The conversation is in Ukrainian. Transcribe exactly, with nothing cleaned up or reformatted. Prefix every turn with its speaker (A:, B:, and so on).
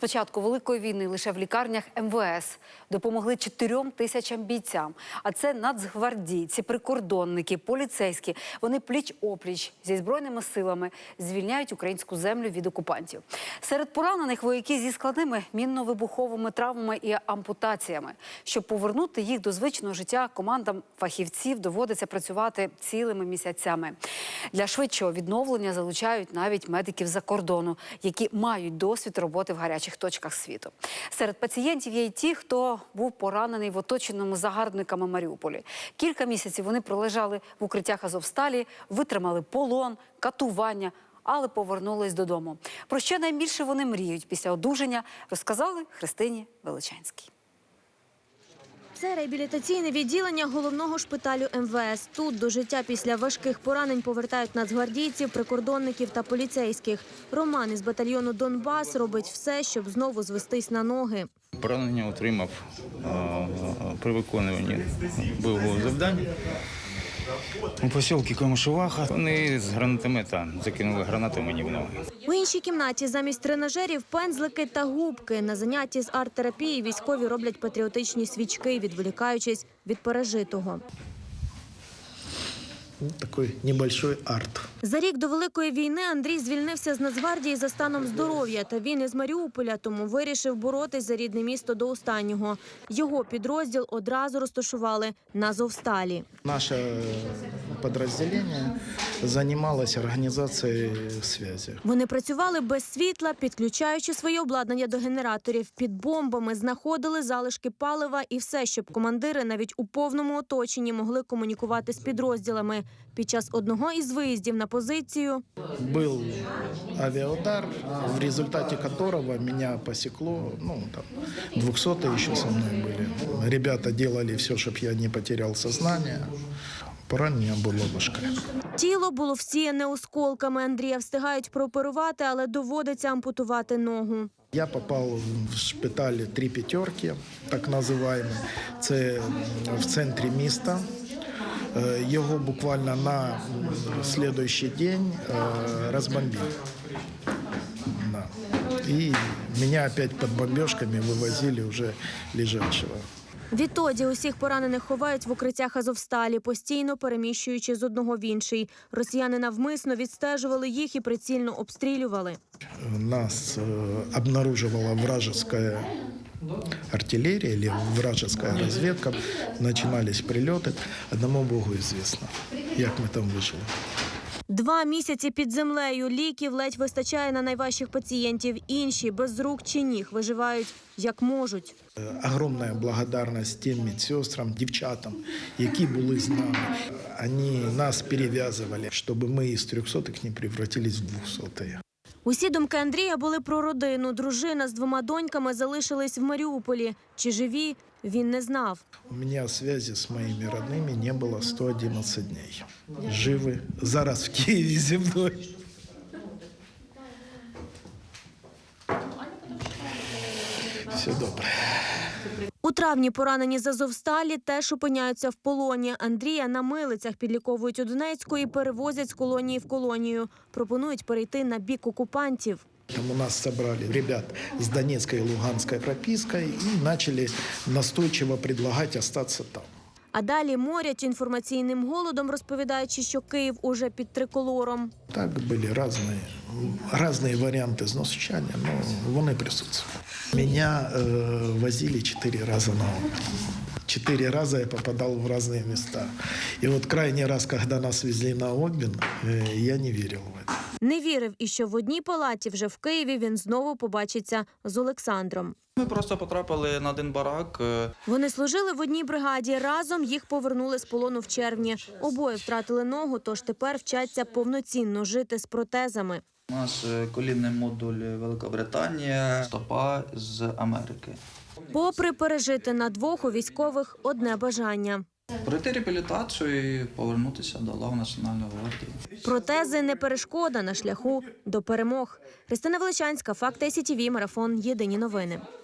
A: початку Великої війни лише в лікарнях ем ве ес допомогли чотирьом тисячам бійцям. А це нацгвардійці, прикордонники, поліцейські. Вони пліч-опліч зі Збройними силами звільняють українську землю від окупантів. Серед поранених вояки зі складними мінно-вибуховими травмами і ампутаціями. Щоб повернути їх до звичного життя, командам фахівців доводиться працювати цілими місяцями. Для швидшого відновлення залучають навіть медиків за кордону, які мають досвід роботи в гарячих точках світу. Серед пацієнтів є й ті, хто був поранений в оточеному загарбниками Маріуполі. Кілька місяців вони пролежали в укриттях Азовсталі, витримали полон, катування, але повернулись додому. Про що найбільше вони мріють після одужання, розказали Христині Величанській.
B: Це реабілітаційне відділення головного шпиталю ем ве ес. Тут до життя після важких поранень повертають нацгвардійців, прикордонників та поліцейських. Роман із батальйону «Донбас» робить все, щоб знову звестись на ноги.
C: Поранення отримав при виконуванні бойового завдання у посілку Камишуваха. Вони з гранатомета закинули гранату мені в ноги.
B: У іншій кімнаті замість тренажерів – пензлики та губки. На занятті з арт-терапії військові роблять патріотичні свічки, відволікаючись від пережитого.
D: Такий небольшой арт.
B: За рік до Великої війни Андрій звільнився з Нацгвардії за станом здоров'я. Та він із Маріуполя, тому вирішив боротись за рідне місто до останнього. Його підрозділ одразу розташували на Азовсталі.
D: Наше підрозділення займалося організацією зв'язку.
B: Вони працювали без світла, підключаючи своє обладнання до генераторів. Під бомбами знаходили залишки палива і все, щоб командири навіть у повному оточенні могли комунікувати з підрозділами. Під час одного із виїздів на позицію
D: був авіаудар, в результаті якого мене посікло, ну, там, двохсоті ще зі мною були. Ребята робили все, щоб я не втратив сознання. Поранення було важке.
B: Тіло було всіяне осколками. Андрія встигають прооперувати, але доводиться ампутувати ногу.
D: Я попав в шпиталь «Три п'ятерки», так називаємо. Це в центрі міста. Його буквально на наступний день розбомбили. Да. І мене опять під бомбежками вивозили вже лежачого.
B: Відтоді усіх поранених ховають в укриттях Азовсталі, постійно переміщуючи з одного в інший. Росіяни навмисно відстежували їх і прицільно обстрілювали.
D: Нас обнаружувала вражеская артиллерия или вражеская разведка. Начинались прильоти. Одному Богу известно, як ми там вижили.
B: Два місяці під землею. Ліків ледь вистачає на найважчих пацієнтів. Інші без рук чи ніг виживають як можуть.
D: Огромна благодарність тим медсестрам, дівчатам, які були з нами. Вони нас перев'язували, щоб ми із трьохсотих не превратились в двохсотих.
B: Усі думки Андрія були про родину. Дружина з двома доньками залишились в Маріуполі. Чи живі, він не знав.
D: У мене зв'язку з моїми родними не було сто одинадцять днів. Живі. Зараз в Києві зі мною. Все добре.
B: У травні поранені з Азовсталі теж опиняються в полоні. Андрія на милицях підліковують у Донецьку і перевозять з колонії в колонію. Пропонують перейти на бік окупантів.
D: Там у нас собрали ребят с Донецкой и Луганской пропиской и начали настойчиво предлагать остаться там.
B: А далі морять інформаційним голодом, розповідаючи, що Київ уже під триколором.
D: Так були різні, різні варіанти знущання, але вони присутствують. Мене е, возили чотири рази на обмін. Четыре раза я попадал в разные места. И вот крайний раз, когда нас везли на обмін, я не вірив в это.
B: Не вірив і що в одній палаті вже в Києві він знову побачиться з Олександром.
E: Ми просто потрапили на один барак.
B: Вони служили в одній бригаді. Разом їх повернули з полону в червні. Обоє втратили ногу, тож тепер вчаться повноцінно жити з протезами.
E: У нас колінний модуль Великобританія, стопа з Америки.
B: Попри пережити на двох, у військових одне бажання.
E: Пройти реабілітацію і повернутися до лав Національної гвардії.
B: Протези не перешкода на шляху до перемог. Христина Величанська, Факти ай сі ті ві, Марафон, Єдині новини.